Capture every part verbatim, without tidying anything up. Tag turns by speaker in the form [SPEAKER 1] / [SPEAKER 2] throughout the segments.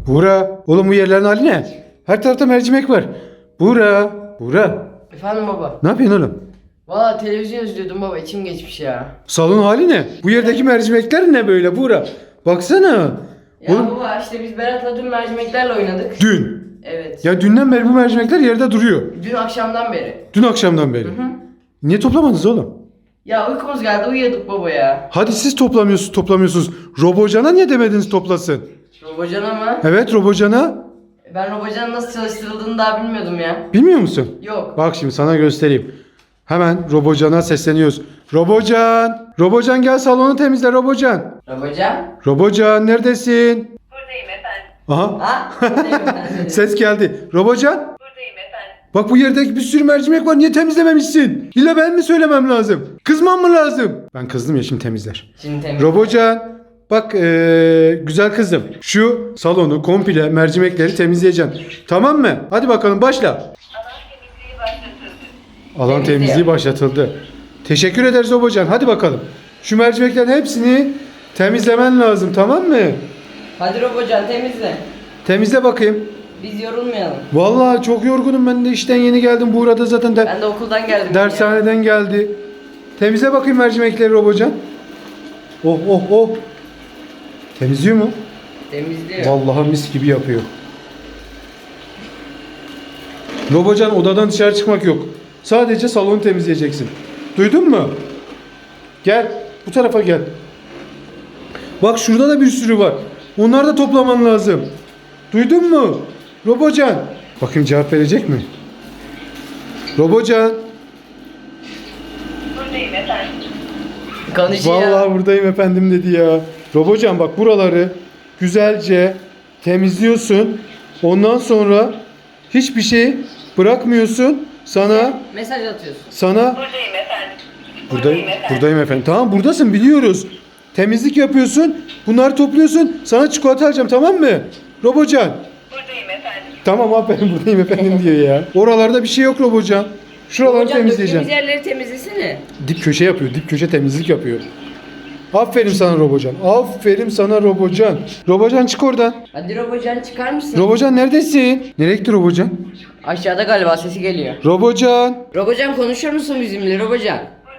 [SPEAKER 1] Buğra, oğlum bu yerlerin hali ne? Her tarafta mercimek var. Buğra, Buğra.
[SPEAKER 2] Efendim baba.
[SPEAKER 1] Ne yapıyorsun oğlum?
[SPEAKER 2] Valla televizyon izliyordum baba, içim geçmiş ya.
[SPEAKER 1] Salon hali ne? Bu yerdeki mercimekler ne böyle Buğra? Baksana.
[SPEAKER 2] Ya
[SPEAKER 1] Oğlum,
[SPEAKER 2] baba işte biz Berat'la dün mercimeklerle oynadık.
[SPEAKER 1] dün.
[SPEAKER 2] Evet.
[SPEAKER 1] Ya dünden beri bu mercimekler yerde duruyor.
[SPEAKER 2] Dün akşamdan beri.
[SPEAKER 1] Dün akşamdan beri.
[SPEAKER 2] Hı hı.
[SPEAKER 1] Niye toplamadınız oğlum?
[SPEAKER 2] Ya uykumuz geldi, uyuyorduk baba ya.
[SPEAKER 1] Hadi siz toplamıyorsunuz, toplamıyorsunuz. Robocan'a niye demediniz toplasın?
[SPEAKER 2] Robocan ama.
[SPEAKER 1] Evet, Robocan'a.
[SPEAKER 2] Ben Robocan'ın nasıl çalıştırıldığını daha bilmiyordum ya.
[SPEAKER 1] Bilmiyor musun?
[SPEAKER 2] Yok.
[SPEAKER 1] Bak şimdi sana göstereyim. Hemen Robocan'a sesleniyoruz. Robocan! Robocan gel salonu temizle Robocan.
[SPEAKER 2] Robocan?
[SPEAKER 1] Robocan neredesin?
[SPEAKER 3] Buradayım efendim.
[SPEAKER 1] Aha.
[SPEAKER 2] Ha? Buradayım efendim.
[SPEAKER 1] Ses geldi. Robocan.
[SPEAKER 3] Buradayım efendim.
[SPEAKER 1] Bak bu yerdeki bir sürü mercimek var. Niye temizlememişsin? İlla ben mi söylemem lazım? Kızmam mı lazım? Ben kızdım ya, şimdi temizler.
[SPEAKER 2] Şimdi temiz.
[SPEAKER 1] Robocan. Bak ee, güzel kızım. Şu salonu komple mercimekleri temizleyeceksin. Tamam mı? Hadi bakalım başla.
[SPEAKER 3] Alan temizliği başlatıldı.
[SPEAKER 1] Alan
[SPEAKER 2] Temizliyor.
[SPEAKER 1] temizliği başlatıldı. Teşekkür ederiz Robocan. Hadi bakalım. Şu mercimeklerin hepsini temizlemen lazım, tamam mı?
[SPEAKER 2] Hadi Robocan temizle.
[SPEAKER 1] Temizle bakayım.
[SPEAKER 2] Biz yorulmayalım.
[SPEAKER 1] Vallahi çok yorgunum, ben de işten yeni geldim. Buğra da zaten de
[SPEAKER 2] Ben de okuldan geldim. ya.
[SPEAKER 1] dershaneden geldi. Temizle bakayım mercimekleri Robocan. Oh oh oh. Temizliyor mu?
[SPEAKER 2] Temizliyor.
[SPEAKER 1] Vallahi mis gibi yapıyor. Robocan, odadan dışarı çıkmak yok. Sadece salonu temizleyeceksin. Duydun mu? Gel. Bu tarafa gel. Bak şurada da bir sürü var. Onları da toplaman lazım. Duydun mu? Robocan. Bakayım cevap verecek mi? Robocan.
[SPEAKER 3] Buradayım efendim.
[SPEAKER 2] Konuşuyor.
[SPEAKER 1] Vallahi buradayım efendim dedi ya. Robocan bak, buraları güzelce temizliyorsun. Ondan sonra hiçbir şey bırakmıyorsun. Sana
[SPEAKER 2] Mesaj atıyorsun.
[SPEAKER 1] sana
[SPEAKER 3] Buradayım efendim.
[SPEAKER 1] buradayım, buradayım efendim. Tamam, buradasın, biliyoruz. Temizlik yapıyorsun. Bunları topluyorsun. Sana çikolata alacağım, tamam mı? Robocan.
[SPEAKER 3] Buradayım efendim.
[SPEAKER 1] Tamam aferin, buradayım efendim diyor ya. Oralarda bir şey yok Robocan. Şuraları
[SPEAKER 2] Robocan
[SPEAKER 1] temizleyeceğim.
[SPEAKER 2] döktüğümüz yerleri temizlesene.
[SPEAKER 1] Dip köşe yapıyor. Dip köşe temizlik yapıyor. Aferin sana Robocan. Aferin sana Robocan. Robocan çık oradan.
[SPEAKER 2] Hadi Robocan çıkar mısın?
[SPEAKER 1] Robocan neredesin? Nereye gitti Robocan?
[SPEAKER 2] Aşağıda galiba sesi geliyor.
[SPEAKER 1] Robocan.
[SPEAKER 2] Robocan konuşur musun bizimle Robocan?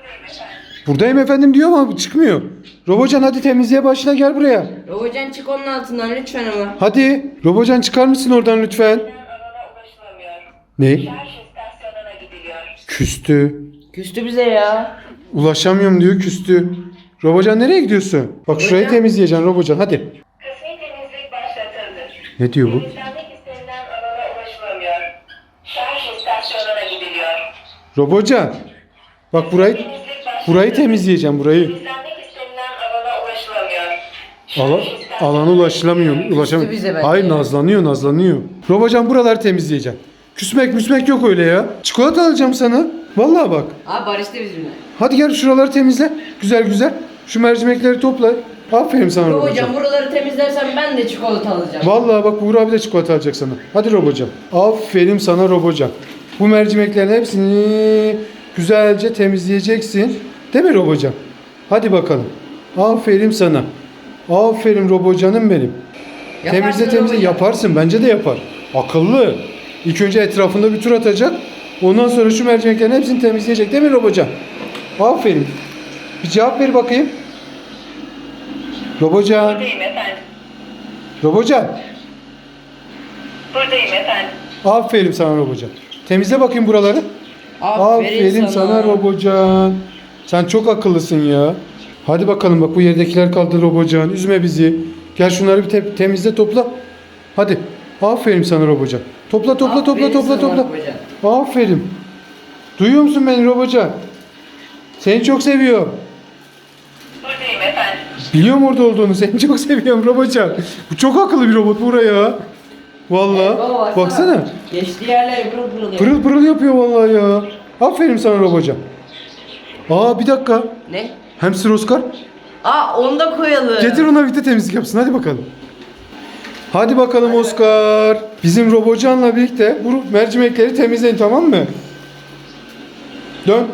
[SPEAKER 1] Buradayım efendim diyor ama çıkmıyor. Robocan hadi temizliğe başla, gel buraya.
[SPEAKER 2] Robocan çık onun altından lütfen ama.
[SPEAKER 1] Hadi. Robocan çıkar mısın oradan lütfen?
[SPEAKER 3] Alana ulaşılamıyor.
[SPEAKER 1] Ne?
[SPEAKER 3] Şarj istasyonuna gidiliyor.
[SPEAKER 1] Küstü.
[SPEAKER 2] Küstü bize ya.
[SPEAKER 1] Ulaşamıyorum diyor, küstü. Robocan nereye gidiyorsun? Bak şurayı
[SPEAKER 2] Robocan.
[SPEAKER 1] temizleyeceksin Robocan, hadi.
[SPEAKER 3] Kısmi temizlik başlatıldı.
[SPEAKER 1] Ne diyor bu?
[SPEAKER 3] Temizlenmek istenilen alana ulaşılamıyor. Şarj istasyonuna gidiliyor.
[SPEAKER 1] Robocan. Bak burayı
[SPEAKER 3] Temizlik başlatıldı.
[SPEAKER 1] burayı temizleyeceğim, burayı.
[SPEAKER 3] Temizlenmek istenilen alana ulaşılamıyor.
[SPEAKER 1] Ala,
[SPEAKER 3] Şarj istasyonuna
[SPEAKER 1] alana ulaşılamıyor.
[SPEAKER 3] gidiliyor.
[SPEAKER 1] Ulaşamıyor.
[SPEAKER 2] bize bence
[SPEAKER 1] Hayır,
[SPEAKER 2] ya.
[SPEAKER 1] nazlanıyor nazlanıyor. Robocan buraları temizleyeceğim. Küsmek müsmek yok öyle ya. Çikolata alacağım sana. Vallahi bak.
[SPEAKER 2] Abi barıştı bizimle.
[SPEAKER 1] Hadi gel şuraları temizle. Güzel güzel. Şu mercimekleri topla. Aferin sana Robocan.
[SPEAKER 2] Robocan buraları temizlersen ben de çikolata alacağım.
[SPEAKER 1] Vallahi bak, Buğra abi de çikolata alacak sana. Hadi Robocan. Aferin sana Robocan. Bu mercimeklerin hepsini güzelce temizleyeceksin. Değil mi Robocan? Hadi bakalım. Aferin sana. Aferin Robocanım benim.
[SPEAKER 2] Yaparsın
[SPEAKER 1] Temizle temizle
[SPEAKER 2] Robocan.
[SPEAKER 1] yaparsın. Bence de yapar. Akıllı. İlk önce etrafında bir tur atacak. Ondan sonra şu mercimeklerin hepsini temizleyecek. Değil mi Robocan? Aferin. Bir cevap ver bakayım. Robocan.
[SPEAKER 3] Buradayım efendim.
[SPEAKER 1] Robocan.
[SPEAKER 3] Buradayım efendim.
[SPEAKER 1] Aferin sana Robocan. Temizle bakayım buraları.
[SPEAKER 2] Aferin,
[SPEAKER 1] sana. Robocan. Sen çok akıllısın ya. Hadi bakalım, bak bu yerdekiler kaldı Robocan. Üzme bizi. Gel şunları bir te- temizle, topla. Hadi. Aferin sana Robocan. Topla topla topla
[SPEAKER 2] Aferin
[SPEAKER 1] topla
[SPEAKER 2] sana
[SPEAKER 1] topla.
[SPEAKER 2] Robocan.
[SPEAKER 1] Aferin. Duyuyor musun beni Robocan? Seni çok seviyorum.
[SPEAKER 3] Buradayım efendim.
[SPEAKER 1] Biliyorum orada olduğunu. Seni çok seviyorum Robocan. Bu çok akıllı bir robot buraya. Vallahi.
[SPEAKER 2] Baba
[SPEAKER 1] Baksana.
[SPEAKER 2] Geçtiği yerler pırıl pırıl yapıyor.
[SPEAKER 1] Pırıl pırıl yapıyor vallahi ya. Aferin sana Robocan. Aa bir dakika.
[SPEAKER 2] Ne?
[SPEAKER 1] Hamster Oscar.
[SPEAKER 2] Aa onu da koyalım.
[SPEAKER 1] Getir ona, bir de temizlik yapsın. Hadi bakalım. Hadi bakalım Oscar. Bizim Robocan'la birlikte bu mercimekleri temizleyin, tamam mı? Dön.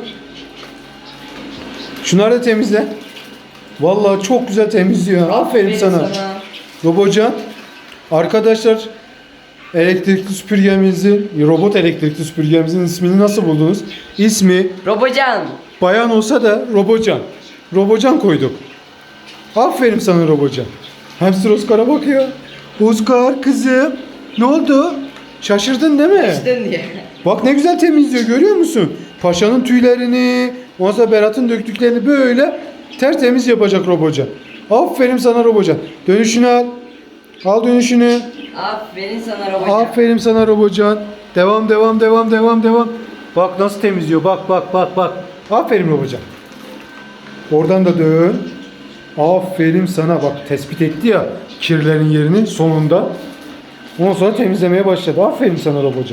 [SPEAKER 1] Şunları da temizle. Vallahi çok güzel temizliyor. Aferin, sana. Robocan. Arkadaşlar elektrikli süpürgemizin, robot elektrikli süpürgemizin ismini nasıl buldunuz? İsmi
[SPEAKER 2] Robocan.
[SPEAKER 1] bayan olsa da Robocan. Robocan koyduk. Aferin sana Robocan. Hamster Oscar'a bakıyor. Oscar kızım ne oldu? Şaşırdın değil mi?
[SPEAKER 2] Açtın diye.
[SPEAKER 1] Bak ne güzel temizliyor görüyor musun? Paşa'nın tüylerini, ondan sonra Berat'ın döktüklerini böyle tertemiz yapacak Robocan. Aferin sana Robocan. Dönüşünü al. Al dönüşünü.
[SPEAKER 2] Aferin sana Robocan.
[SPEAKER 1] Aferin sana Robocan. Devam devam devam devam devam. Bak nasıl temizliyor. Bak bak bak bak. Aferin Robocan. Oradan da dön. Aferin sana. Bak tespit etti ya kirlerin yerini sonunda. Ondan sonra temizlemeye başladı. Aferin sana Robocan.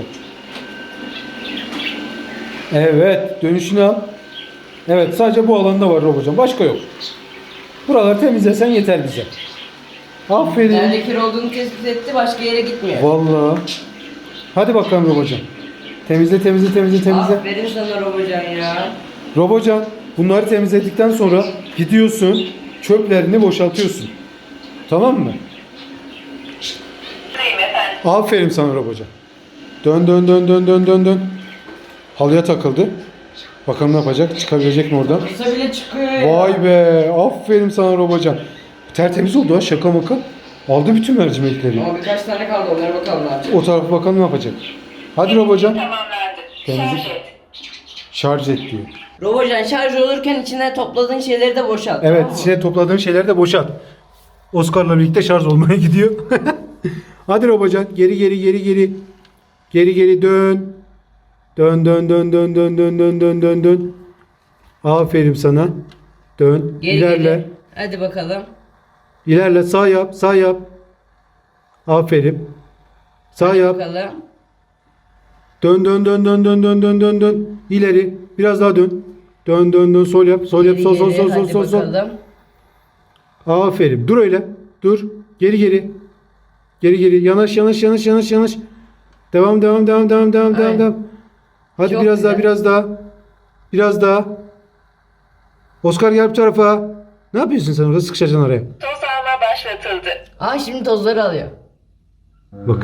[SPEAKER 1] Evet. Dönüşünü al. Evet. Sadece bu alanda var Robocan. Başka yok. Buraları temizlesen yeter bize. Aferin.
[SPEAKER 2] Nerede kir olduğunu tespit etti, başka yere gitmiyor.
[SPEAKER 1] Vallahi. Hadi bakalım Robocan. Temizle temizle temizle temizle.
[SPEAKER 2] Aferin sana Robocan ya.
[SPEAKER 1] Robocan bunları temizledikten sonra gidiyorsun çöplerini boşaltıyorsun. Tamam mı?
[SPEAKER 3] Buyurun efendim.
[SPEAKER 1] Aferin sana Robocan. Dön dön dön dön dön dön dön. Halıya takıldı. Bakalım ne yapacak? Çıkabilecek mi oradan?
[SPEAKER 2] Kısa bile çıkıyor ya.
[SPEAKER 1] Vay be. Aferin sana Robocan. Tertemiz oldu ha şaka maka. Aldı bütün mercimekleri.
[SPEAKER 2] Ama birkaç tane kaldı, onlara bakalım ne yapacak.
[SPEAKER 1] O tarafa bakalım ne yapacak. Hadi Robocan.
[SPEAKER 3] Tamamlandı.
[SPEAKER 1] Temizlik.
[SPEAKER 3] Şarj et.
[SPEAKER 1] Şarj et diyor.
[SPEAKER 2] Robocan şarj olurken içine topladığın şeyleri de boşalt.
[SPEAKER 1] Evet,
[SPEAKER 2] tamam mı?
[SPEAKER 1] içine topladığın şeyleri de boşalt. Oscar'la birlikte şarj olmaya gidiyor. Hadi Robocan, geri geri geri geri. Geri geri dön. Dön dön dön dön dön dön dön dön dön dön. Aferin sana. Dön.
[SPEAKER 2] Geri
[SPEAKER 1] İlerle.
[SPEAKER 2] geri. Hadi bakalım.
[SPEAKER 1] İlerle. Sağ yap. Sağ yap. Aferin. Sağ
[SPEAKER 2] Hadi
[SPEAKER 1] yap.
[SPEAKER 2] bakalım.
[SPEAKER 1] Dön dön dön dön dön dön dön dön dön. İleri. Biraz daha dön. Dön dön dön. Sol yap. Sol yap.
[SPEAKER 2] Geri
[SPEAKER 1] Sol sol
[SPEAKER 2] geri.
[SPEAKER 1] sol sol
[SPEAKER 2] Hadi
[SPEAKER 1] sol sol.
[SPEAKER 2] bakalım.
[SPEAKER 1] Aferin. Dur öyle. Dur. Geri geri. Geri geri. Yanaş yanaş yanaş yanaş yanaş. Devam devam devam devam devam devam
[SPEAKER 2] Aynen.
[SPEAKER 1] devam. Hadi
[SPEAKER 2] Çok
[SPEAKER 1] biraz daha
[SPEAKER 2] güzel.
[SPEAKER 1] biraz daha. Biraz daha. Oscar gel bu tarafa. Ne yapıyorsun sen orada sıkışacaksın araya.
[SPEAKER 3] Toz alma başlatıldı.
[SPEAKER 2] Aa şimdi tozları alıyor.
[SPEAKER 1] Bak.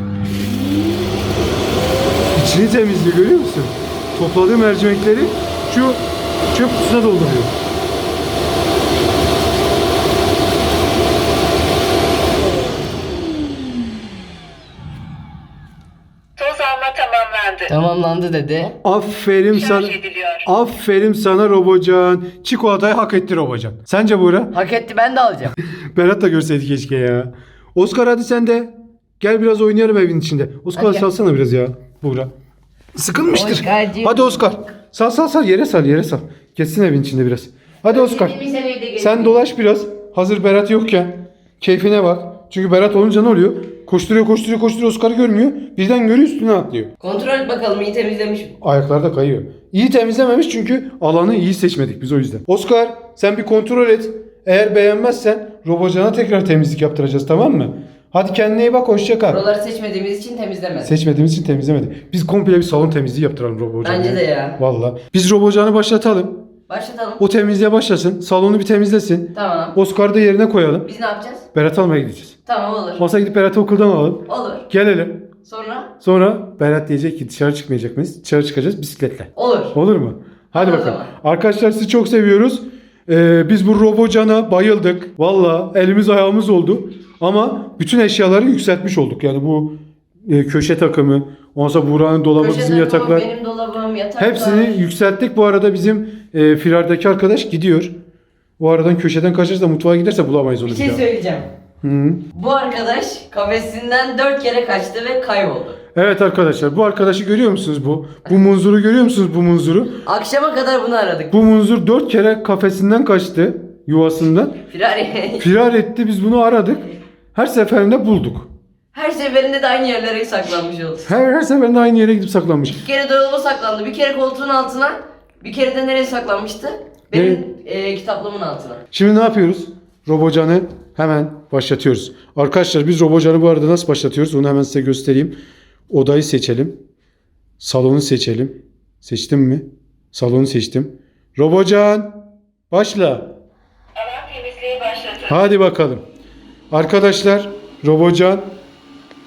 [SPEAKER 1] İçini temizliyor görüyor musun? Topladığı mercimekleri şu çöp kutusuna dolduruyor.
[SPEAKER 3] Toz alma tamamlandı.
[SPEAKER 2] Tamamlandı dedi.
[SPEAKER 1] Aferin sana.
[SPEAKER 3] Şarj ediliyor.
[SPEAKER 1] Aferin sana Robocan. Çikolatayı hak etti Robocan. Sence Buğra?
[SPEAKER 2] Hak etti, ben de alacağım.
[SPEAKER 1] Berat da görseydi keşke ya. Oscar hadi sen de. Gel biraz oynayalım evin içinde. Oscar
[SPEAKER 2] Hadi gel.
[SPEAKER 1] salsana biraz ya. Buğra. Sıkılmıştır.
[SPEAKER 2] Oscar'cığım.
[SPEAKER 1] Hadi Oscar. Sal sal sal yere sal yere sal. Geçsin evin içinde biraz. Hadi Oscar. Sen dolaş biraz. Hazır Berat yokken. Keyfine bak. Çünkü Berat olunca ne oluyor? Koşturuyor koşturuyor koşturuyor Oscar'ı görmüyor. Birden görüyor üstüne atlıyor.
[SPEAKER 2] Kontrol et bakalım, iyi temizlemiş mi?
[SPEAKER 1] Ayaklar da kayıyor. İyi temizlememiş çünkü alanı iyi seçmedik biz o yüzden. Oscar sen bir kontrol et. Eğer beğenmezsen Robocan'a tekrar temizlik yaptıracağız tamam mı? Hadi kendine iyi bak hoşça kal.
[SPEAKER 2] Buraları seçmediğimiz için temizlemez.
[SPEAKER 1] Seçmediğimiz için temizlemedik. Biz komple bir salon temizliği yaptıralım Robocan'a.
[SPEAKER 2] Bence de ya.
[SPEAKER 1] Valla. Biz Robocan'ı başlatalım.
[SPEAKER 2] Başlatalım.
[SPEAKER 1] O temizliğe başlasın. Salonu bir temizlesin.
[SPEAKER 2] Tamam.
[SPEAKER 1] Oscar'ı da yerine koyalım.
[SPEAKER 2] Biz ne yapacağız?
[SPEAKER 1] Berat almaya gideceğiz.
[SPEAKER 2] Tamam olur.
[SPEAKER 1] Ondan gidip Berat'ı okuldan alalım.
[SPEAKER 2] Olur.
[SPEAKER 1] Gelelim.
[SPEAKER 2] Sonra?
[SPEAKER 1] Sonra Berat diyecek ki dışarı çıkmayacak mıyız? Dışarı çıkacağız bisikletle.
[SPEAKER 2] Olur.
[SPEAKER 1] Olur mu? Hadi
[SPEAKER 2] Olur o
[SPEAKER 1] bakalım.
[SPEAKER 2] zaman.
[SPEAKER 1] Arkadaşlar sizi çok seviyoruz. Ee, biz bu Robocan'a bayıldık. Valla elimiz ayağımız oldu. Ama bütün eşyaları yükseltmiş olduk. Yani bu e, köşe takımı, ondan sonra Buğra'nın dolabı,
[SPEAKER 2] Köşe
[SPEAKER 1] bizim
[SPEAKER 2] takımı,
[SPEAKER 1] yataklar.
[SPEAKER 2] benim dolabım, yataklar.
[SPEAKER 1] Hepsini yükselttik. Bu arada bizim e, firardaki arkadaş gidiyor. O aradan köşeden kaçarsa mutfağa giderse bulamayız onu
[SPEAKER 2] Bir
[SPEAKER 1] bir
[SPEAKER 2] şey
[SPEAKER 1] daha.
[SPEAKER 2] söyleyeceğim.
[SPEAKER 1] Hı.
[SPEAKER 2] Bu arkadaş kafesinden dört kere kaçtı ve kayboldu.
[SPEAKER 1] Evet arkadaşlar bu arkadaşı görüyor musunuz bu? Bu munzuru görüyor musunuz bu munzuru?
[SPEAKER 2] Akşama kadar bunu aradık.
[SPEAKER 1] Bu munzur dört kere kafesinden kaçtı yuvasından.
[SPEAKER 2] Firari.
[SPEAKER 1] Firar etti biz bunu aradık. Her seferinde bulduk.
[SPEAKER 2] Her seferinde de aynı yerlere saklanmış oldu.
[SPEAKER 1] Her, her seferinde aynı yere gidip saklanmış.
[SPEAKER 2] Bir kere dolaba saklandı, bir kere koltuğun altına, bir kere de nereye saklanmıştı? Benim e, kitaplığımın altına.
[SPEAKER 1] Şimdi ne yapıyoruz? Robocan'ı hemen başlatıyoruz. Arkadaşlar biz Robocan'ı bu arada nasıl başlatıyoruz? Onu hemen size göstereyim. Odayı seçelim. Salonu seçelim. Seçtim mi? Salonu seçtim. Robocan başla.
[SPEAKER 3] Alan temizliği başlatıldı.
[SPEAKER 1] Hadi bakalım. Arkadaşlar Robocan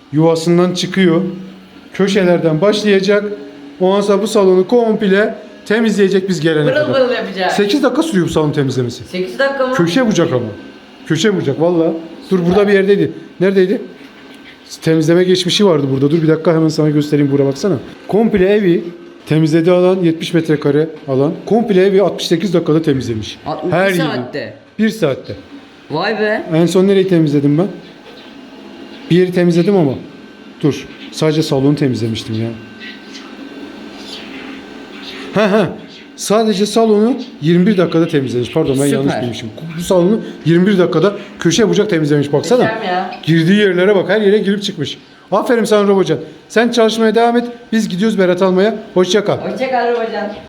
[SPEAKER 1] yuvasından çıkıyor. Köşelerden başlayacak. Ondan sonra bu salonu komple temizleyecek biz gelene
[SPEAKER 2] Pırıl
[SPEAKER 1] kadar.
[SPEAKER 2] pırıl yapacak.
[SPEAKER 1] sekiz dakika sürüyor bu salon temizlemesi.
[SPEAKER 2] sekiz dakika mı?
[SPEAKER 1] Köşe bucak ama. Köşe bucak valla. Dur burada bir yerdeydi. Neredeydi? Temizleme geçmişi vardı burada. Dur bir dakika hemen sana göstereyim, buraya baksana. Komple evi temizlediği alan yetmiş metrekare alan. Komple evi altmış sekiz dakikada temizlemiş.
[SPEAKER 2] Altmış
[SPEAKER 1] Her yeri.
[SPEAKER 2] saatte.
[SPEAKER 1] Bir saatte.
[SPEAKER 2] Vay be.
[SPEAKER 1] En son nereyi temizledim ben? Bir yeri temizledim ama. Dur. Sadece salonu temizlemiştim ya. Ha ha. Sadece salonu yirmi bir dakikada temizlemiş. Pardon ben
[SPEAKER 2] Süper.
[SPEAKER 1] yanlış demişim. Bu salonu yirmi bir dakikada köşe bucak temizlemiş. Baksana.
[SPEAKER 2] Muhteşem ya.
[SPEAKER 1] Girdiği yerlere bak. Her yere girip çıkmış. Aferin sana Robocan. Sen çalışmaya devam et. Biz gidiyoruz Berat almaya. Hoşça kal.
[SPEAKER 2] Hoşçakal Robocan.